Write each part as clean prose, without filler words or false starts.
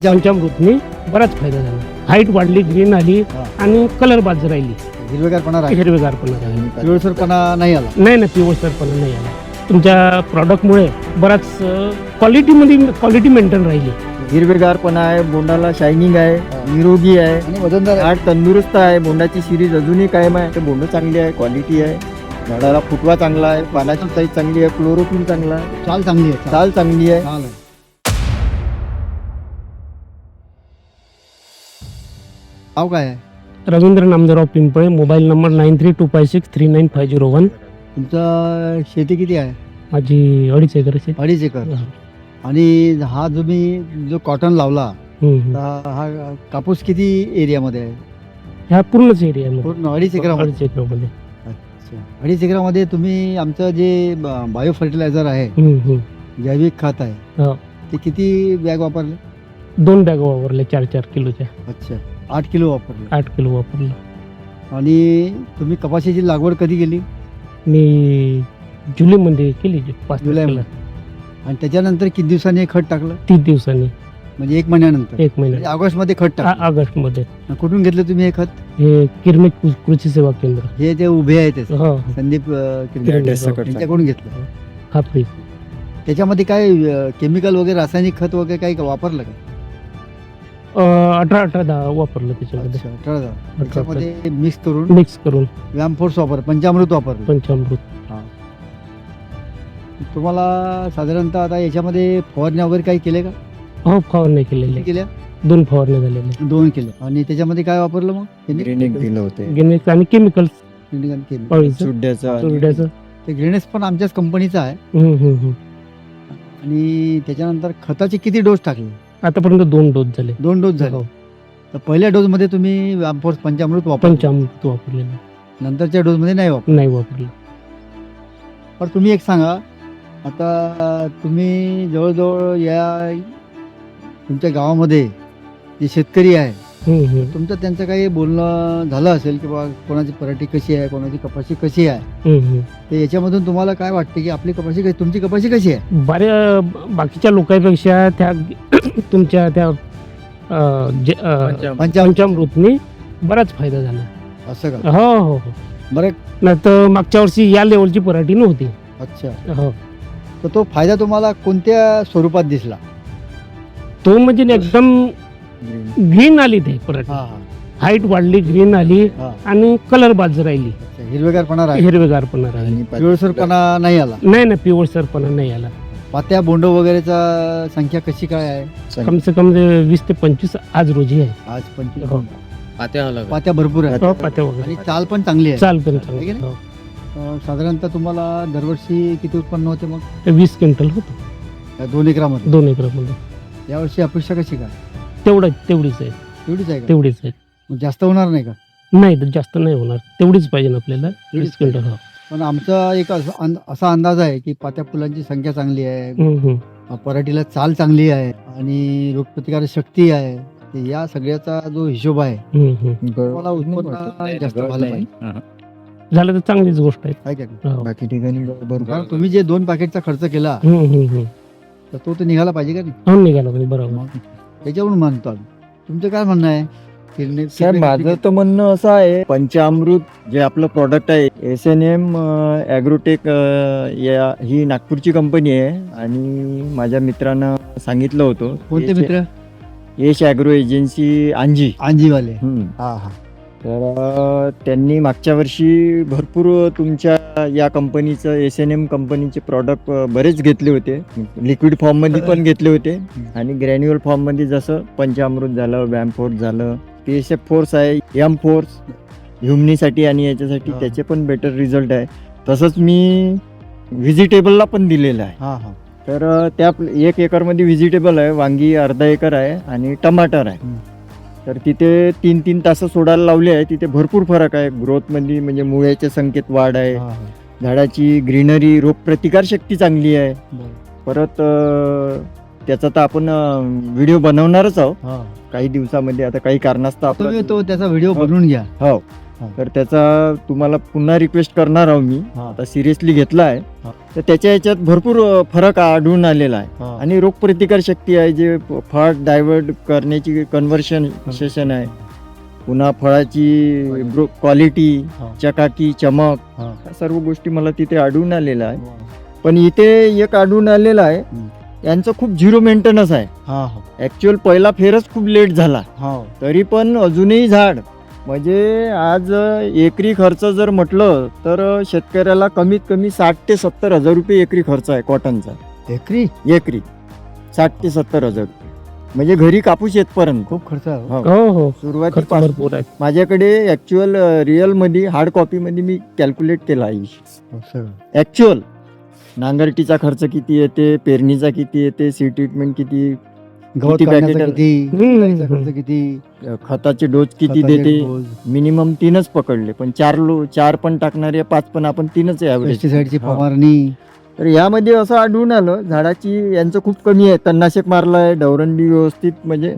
पंचामृतनी बराच फायदा झाला. हाईट वाढली, ग्रीन आली आणि कलर बाज राहिली, हिरवेगारपणा राहील, हिरवेगारपणा राहिली. पिवळसरपणा नाही आला. नाही पिवळसरपणा नाही आला. तुमच्या प्रॉडक्टमुळे बराच क्वालिटी मेंटेन राहिली. हिरवेगारपणा आहे, बोंडाला शायनिंग आहे, निरोगी आहे आणि वजनदार आहे. झाड तंदुरुस्त आहे. बोंडाची सिरीज अजूनही कायम आहे. ते बोंड चांगली आहे, क्वालिटी आहे, झाडाला फुटवा चांगला आहे, पानाची साईज चांगली आहे, क्लोरोफिल चांगला आहे, चाल चांगली आहे. चाल चांगली आहे. चाल आहे. नाव काय आहे रवींद्र नामदेवराव पिंपळे, मोबाईल नंबर 9325639501. तुमचं? शेती किती आहे? माझी 2.5 एकर आहे. 2.5 एकर. आणि हा तुम्ही जो कॉटन लावला, हम्म. तर हा कापूस किती एरियामध्ये आहे? ह्या पूर्णच एरियामध्ये पूर्ण 2.5 एकरामध्ये. 2.5 एकरामध्ये. अच्छा. 2.5 एकरामध्ये तुम्ही आमचं जे बायो फर्टिलायझर आहे, जैविक खत आहे, हो. ते किती बॅग वापरले? 2 बॅग वापरले 4-4 किलोच्या. अच्छा, 8 किलो वापरले. 8 किलो वापरलं. आणि तुम्ही कपाशीची लागवड कधी केली? मी जुलैमध्ये केली 5 जुलैमध्ये. आणि त्याच्यानंतर किती दिवसांनी हे खत टाकलं? 30 दिवसांनी, म्हणजे 1 महिन्यानंतर. 1 महिन्यात. म्हणजे ऑगस्टमध्ये खत टाकलं. ऑगस्टमध्ये. कुठून घेतलं तुम्ही हे खत? हे किरमिट कृषी सेवा केंद्र. हे ते उभे आहे ते हो. संदीप किरमिट. त्यांच्याकडून घेतलं. हा फ्री. त्याच्यामध्ये काय केमिकल वगैरे, रासायनिक खत वगैरे काही वापरलं का? 18-10 वापरलं त्याच्यामध्ये. अच्छा, 18. त्याच्यामध्ये मिक्स करून मिक्स करून व्यामफोर्स पंचामृत वापरलं. पंचामृत. तुम्हाला साधारणतः आता याच्यामध्ये फवारण्या वगैरे काही केले का? हो, फवारणी केलेली. केल्या? 2 फवारण्या झालेल्या. 2 केले. आणि त्याच्यामध्ये काय वापरलं मग? ग्रीनिंग दिलं होते, गेनेक्स आणि केमिकल्स. केलं. पळीचं, सुड्याचा चुरड्याचं. ते ग्रेनेस पण आमच्याच कंपनीचा आहे. आणि त्याच्यानंतर खताचे किती डोस टाकले? आतापर्यंत 2 डोस झाले. 2 डोस झाले. हो. तर पहिल्या डोस मध्ये तुम्ही व्यामफोर्स पंचामृत वापरलं, पंचामृत वापरलेलं नंतरच्या डोस मध्ये नाही वापरलं. नाही वापरलं. पण तुम्ही एक सांगा, आता तुम्ही जवळजवळ या तुमच्या गावामध्ये जे शेतकरी आहे, तुमचं त्यांचं काही बोलणं झालं असेल की बा कोणाची पराठी कशी आहे, कोणाची कपाशी कशी आहे, तर याच्यामधून तुम्हाला काय वाटते की आपली कपाशी कशी, तुमची कपाशी कशी आहे? बाकीच्या लोकांपेक्षा त्या तुमच्या त्या पंचामृतनी बराच फायदा झाला. असं का? हो हो हो. बरं. नाही तर मागच्या वर्षी या लेवलची पराठी नव्हती. अच्छा. हो. तर तो फायदा तुम्हाला कोणत्या स्वरूपात दिसला? तो म्हणजे एकदम ग्रीन आली ते पराठी. हाईट वाढली, ग्रीन आली आणि कलर बाज राहिली, हिरवेगारपणा राहिला, हिरवेगारपणा राहिली. पिवळसरपणा नाही आला. नाही पिवळसरपणा नाही आला. पात्या बोंड वगैरेचा संख्या कशी काय आहे? कम से कम 20 ते 25 आज रोजी आहे. आज 25. हो. पात्या भरपूर आहेत. हो, पात्या वगैरे. आणि चाल पण चांगली आहे. चाल पण आहे की चांगली. नाही? हो. साधारणतः तुम्हाला दरवर्षी किती उत्पन्न होते मग? 20 क्विंटल होतं या 2 एकरामध्ये. 2 एकरामध्ये. यावर्षी अपेक्षा कशी काय? तेवढीच आहे. तेवढीच आहे का? तेवढीच आहे. मग जास्त होणार नाही का? नाही तर जास्त नाही होणार. तेवढीच पाहिजे ना आपल्याला. 20 क्विंटल. हो. पण आमचा एक असा अंदाज आहे की पात्या फुलांची संख्या चांगली आहे, पराठीला चाल चांगली आहे आणि रोगप्रतिकारक शक्ती आहे. तर या सगळ्याचा जो हिशोब आहे, तुम्हाला उत्पन्न जास्त झालं पाहिजे. झालं तर चांगलीच गोष्ट आहे. काय काय? हो. बाकी ठिकाणी बरोबर. कारण तुम्ही जे 2 पॅकेटचा खर्च केला, तर तो तर निघाला पाहिजे का नाही? हो, निघाला पाहिजे. बरोबर. त्याच्यावरून मानतो आम्ही. तुमचं काय म्हणणं आहे? सर, माझं तर म्हणणं असं आहे, पंचामृत जे आपलं प्रॉडक्ट आहे, SNM ॲग्रोटेक ही नागपूरची कंपनी आहे. आणि माझ्या मित्रानं सांगितलं होतं. कोणते मित्र? यश ॲग्रो एजन्सी आंजीवाले. हा. तर त्यांनी मागच्या वर्षी भरपूर तुमच्या या कंपनीचं SNM कंपनीचे प्रॉडक्ट बरेच घेतले होते. लिक्विड फॉर्ममध्ये पण घेतले होते आणि ग्रॅन्युअल फॉर्ममध्ये, जसं पंचामृत झालं, व्यामफोर्स झालं, PSF फोर्स आहे, M फोर्स ह्युमनीसाठी आणि याच्यासाठी त्याचे पण बेटर रिझल्ट आहे. तसंच मी व्हेजिटेबलला पण दिलेलं आहे. तर त्या 1 एकरमध्ये व्हेजिटेबल आहे, वांगी अर्धा एकर आहे आणि टमाटर आहे. तर तिथे 3-3 तास सोडायला लावले आहे. तिथे भरपूर फरक आहे ग्रोथमध्ये, म्हणजे मुळ्याच्या संख्येत वाढ आहे, झाडाची ग्रीनरी, रोगप्रतिकार शक्ती चांगली आहे. परत त्याचा तर आपण व्हिडिओ बनवणारच आहोत काही दिवसामध्ये. आता काही कारणास्तव तुम्ही तो त्याचा व्हिडिओ बनवून घ्या. हो. हा. तर त्याचा तुम्हाला पुन्हा रिक्वेस्ट करणार आहोत मी. हा. आता सिरियसली घेतला आहे. हा. तर त्याच्या याच्यात भरपूर फरक आढळून आलेला आहे. हा. आणि रोगप्रतिकार शक्ती आहे, जे फळ डायव्हर्ट करण्याची कन्व्हर्शन सेशन आहे, पुन्हा फळाची क्वालिटी, हा. चकाकी, चमक, हा. या सर्व गोष्टी मला तिथे आढळून आलेल्या आहे. पण इथे एक आढळून आलेला आहे, यांचं खूप झिरो मेंटेनन्स आहे. हा. ऍक्च्युअल पहिला फेरच खूप लेट झाला, हा. तरी पण अजूनही झाड म्हणजे आज एकरी खर्च जर म्हटलं तर शेतकऱ्याला कमीत कमी 60 ते 70 हजार रुपये एकरी खर्च आहे कॉटनचा. एकरी एकरी 60 ते 70 हजार रुपये, म्हणजे घरी कापूस येतपर्यंत खूप खर्च आहे. हो. हो हो खर्च सुरुवातीपासून भरपूर आहे. माझ्याकडे ऍक्च्युअल रिअल मध्ये हार्ड कॉपी मध्ये मी कॅल्क्युलेट केला आहे. असं. ऍक्च्युअल नांगरटीचा खर्च किती येते, पेरणीचा किती येते, सीड ट्रीटमेंट किती, गवत किती काढण्याचा पॅकेट- किती, फुलाईचा खर्च किती, खताचे डोस किती खताचे देते. डोस, मिनिमम 3च पकडले, पण 4 पण टाकणारे 5 पण आपण 3च ॲव्हरेज. पेस्टिसाइडची हा. फवारणी. तर यामध्ये असं आढळून आलं झाडाची यांचं खूप कमी आहे. तणनाशक मारलंय, डवरंडी व्यवस्थित म्हणजे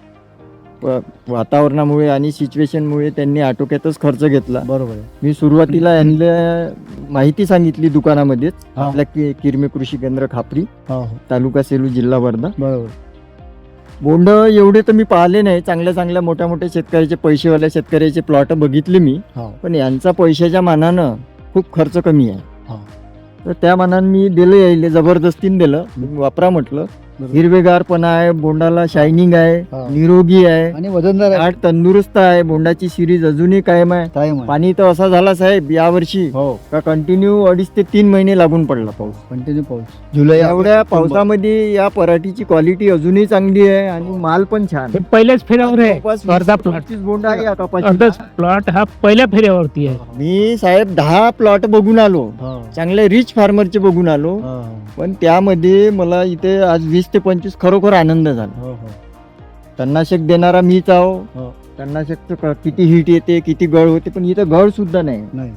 वातावरणामुळे आणि सिच्युएशनमुळे त्यांनी आटोक्यातच खर्च घेतला. बरोबर आहे. मी सुरुवातीला यांना माहिती सांगितली दुकानामध्येच, हा. आपल्या किरमे कृषी केंद्र खापरी, हो, तालुका सेलू, जिल्हा वर्धा. बरोबर. बोंड एवढे तर मी पाहिले नाही, चांगल्या चांगल्या मोठ्या मोठ्या शेतकऱ्याचे, पैसेवाल्या शेतकऱ्याचे प्लॉट बघितले मी, हो. पण यांचा पैशाच्या मानानं खूप खर्च कमी आहे. हा. तर त्या मानानं मी दिलं, यायले जबरदस्तीने दिलं. तुम्ही वापरा म्हटलं. बरोबर. हिरवेगारपणा आहे, बोंडाला शायनिंग आहे, हा. निरोगी आहे, आणि वजनदार आहे. झाड तंदुरुस्त आहे, बोंडाची सिरीज अजूनही कायम आहे. कायम आहे. पाणी तर असा झाला साहेब यावर्षी हो. का कंटिन्यू 2.5 ते 3 महिने लागून पडला पाऊस. कंटिन्यू पाऊस. जुलै एवढ्या पावसामध्ये या पराठीची क्वालिटी अजूनही चांगली आहे आणि माल पण छान. हे पहिल्याच फेऱ्यावर आहे. जवळपास अर्धा 20 ते प्लॉट 25 बोंड आहे या कपाशी. अर्धाच प्लॉट हा पहिल्या फेऱ्यावरती आहे. मी साहेब 10 प्लॉट बघून आलो, हो. चांगले रिच फार्मरचे बघून आलो, हो, पण त्यामध्ये मला इथे आज 20 ते 25 खरोखर आनंद झाला. हो, हो. तणनाशक देणारा मीच आहो. हो. तणनाशकचं किती हिट येते, किती गळ होते, पण इथं गळ सुद्धा नाही. नाही.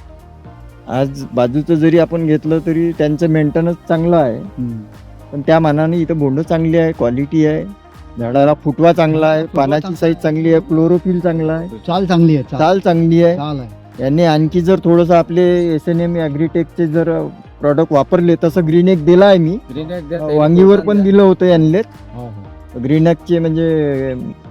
आज बाजूचं जरी आपण घेतलं तरी त्यांचं मेंटेनन्स चांगलं आहे, हम्म. पण त्या मानाने इथं बोंड चांगली आहे, क्वालिटी आहे, झाडाला फुटवा चांगला आहे, पानाची साईज चांगली आहे, क्लोरोफिल चांगला आहे, चाल चांगली आहे. चाल चांगली आहे. चाल आहे. यांनी आणखी जर थोडंसं आपले SNM ॲग्रीटेकचे जर प्रॉडक्ट वापरले, तसं ग्रीनेक दिला आहे मी, वांगीवर पण दिलं होतं यांनी. हो, हो. ग्रीनेकचे म्हणजे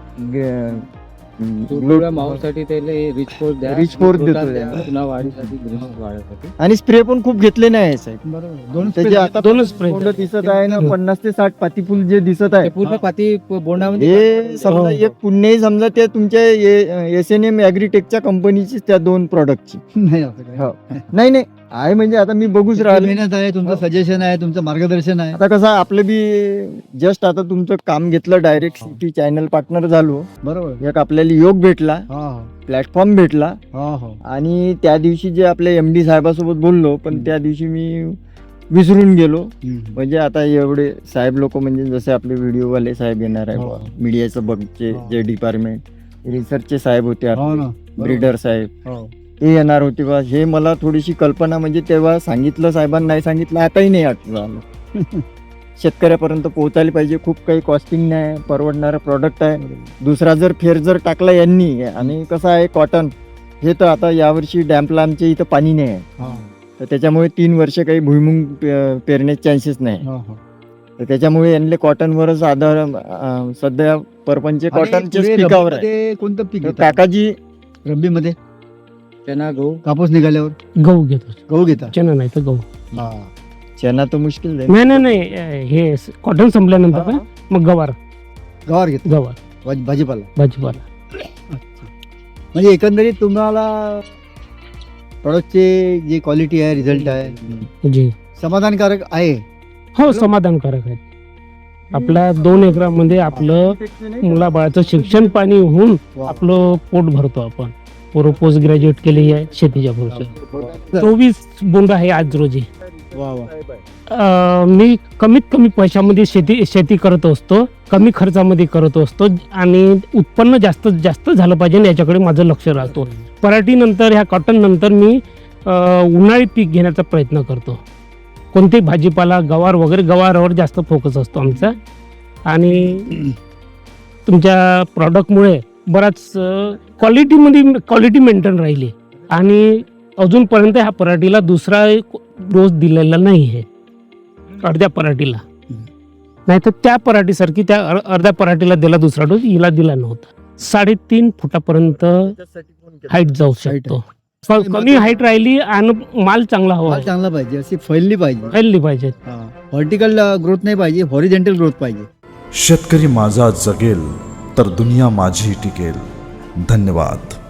माऊसाठी त्याला रिच फोर्स द्या. रिच फोर्स देतो द्या. त्यांना. पुन्हा वाढीसाठी ग्रीन वाढीसाठी. आणि स्प्रे पण खूप घेतले नाही साहेब. बरोबर. दोन त्याचे आता दोनच spray बोंड दिसत आहे ना, 50 ते 60 पाती फुल जे दिसत आहे, ते पूर्ण पाती बोंडामध्ये हे समजा एक पुण्यही समजा ते तुमच्या SNM ॲग्रीटेकच्या कंपनीची त्या 2 प्रॉडक्टची. नाही असं काय. हो. नाही नाही आहे, म्हणजे आता मी बघूच राहिलो. मेहनत आहे, तुमचं सजेशन आहे, तुमचं मार्गदर्शन आहे. आता कसं आपलं बी जस्ट आता तुमचं काम घेतलं, डायरेक्ट सिटी चॅनल पार्टनर झालो, बरोबर. एक आपल्याला योग भेटला, हो, प्लॅटफॉर्म भेटला, हो, हो. आणि त्या दिवशी जे आपल्या MD साहेबासोबत बोललो, पण त्या दिवशी मी विसरून गेलो. हम्म. म्हणजे आता एवढे साहेब लोक, म्हणजे जसे आपले व्हिडिओवाले साहेब येणार हो. आहे, मीडियाचं बघचे हो. जे डिपार्टमेंट, रिसर्चचे साहेब होते, हो ना. ब्रीडर साहेब, हो. ते येणार होते बा. हे मला थोडीशी कल्पना, म्हणजे तेव्हा सांगितलं साहेबांना, नाही सांगितलं आताही नाही आठवलं. शेतकऱ्यापर्यंत पोहोचायला पाहिजे. खूप काही कॉस्टिंग नाही, परवडणारं प्रॉडक्ट आहे. दुसरा जर फेर जर टाकला यांनी, आणि कसं आहे कॉटन हे तर आता यावर्षी डॅम्पला आमच्या इथं पाणी नाही आहे, हो, तर त्याच्यामुळे 3 वर्ष काही भुईमुंग पेरण्याचे चान्सेस नाही. हो, हो. तर त्याच्यामुळे यांनी कॉटनवरच आधार, सध्या परपंच आणि कॉटनच्याच पुढे पिकावर आहे. रब्बीमध्ये कोणतं पीक तर घेता? काकाजी रब्बीमध्ये चना गहू कापूस निघाल्यावर गहू घेतो. गहू घेता. चना नाही तर गहू. हा. चना तर मुश्किल जाईल. नाही नाही नाही, हे कॉटन संपल्यानंतर ना मग गवार गवार घेता. गवार भाजीपाला. भाजीपाला. म्हणजे एकंदरीत तुम्हाला प्रॉडक्टची जी क्वालिटी आहे, रिझल्ट आहे, जी समाधानकारक आहे. हो समाधानकारक आहे. आपल्या 2 एकरामध्ये आपलं मुलाबाळाचं शिक्षण पाणी होऊन वा. आपलं पोट भरतो आपण. पोस्ट ग्रॅज्युएट केली आहे शेतीच्या भरोश्यावर. 24 बोंड आहे आज रोजी. वा वा. मी कमीत कमी पैशामध्ये शेती करत असतो, कमी खर्चामध्ये करत असतो, आणि उत्पन्न जास्तीत जास्त झालं पाहिजे याच्याकडे माझं लक्ष राहतो. पराठीनंतर, ह्या कॉटन नंतर मी उन्हाळी पीक घेण्याचा प्रयत्न करतो. कोणतेही भाजीपाला, गवार वगैरे, गवारावर जास्त फोकस असतो आमचा. आणि तुमच्या प्रॉडक्टमुळे बराच क्वालिटी मेंटेन राहिली आणि अजूनपर्यंत ह्या पराठीला दुसरा डोस दिलेला नाही आहे अर्ध्या पराठीला. नाही तर त्या पराठीसारखी त्या अर्ध्या पराठीला दिला दुसरा डोस, हिला दिला नव्हता. 3.5 फुटापर्यंत हाईट जाऊ शकतो. कमी हाईट राहिली आणि माल चांगला हवा, माल चांगला पाहिजे, अशी फैलली पाहिजे, फैलली पाहिजे. व्हर्टिकल ग्रोथ नाही पाहिजे, हॉरिझॉन्टल ग्रोथ पाहिजे. शेतकरी माझा जगेल तर दुनिया माझी टिकेल. धन्यवाद.